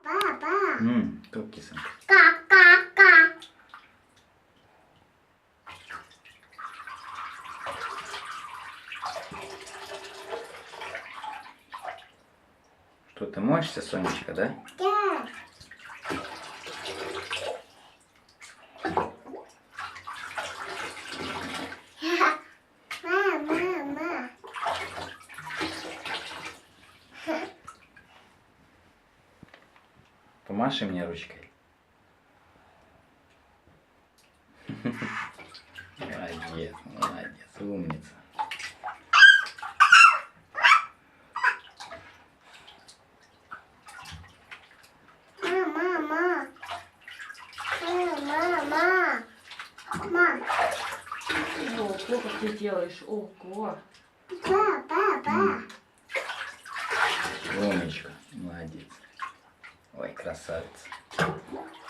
Как кисонька? Что, ты моешься, Сонечка, да? Да. Мама. Помаши мне ручкой. Молодец, молодец, умница. Мама. Ого, как ты делаешь, ого. Папа. Умничка, молодец. Ой, красавица.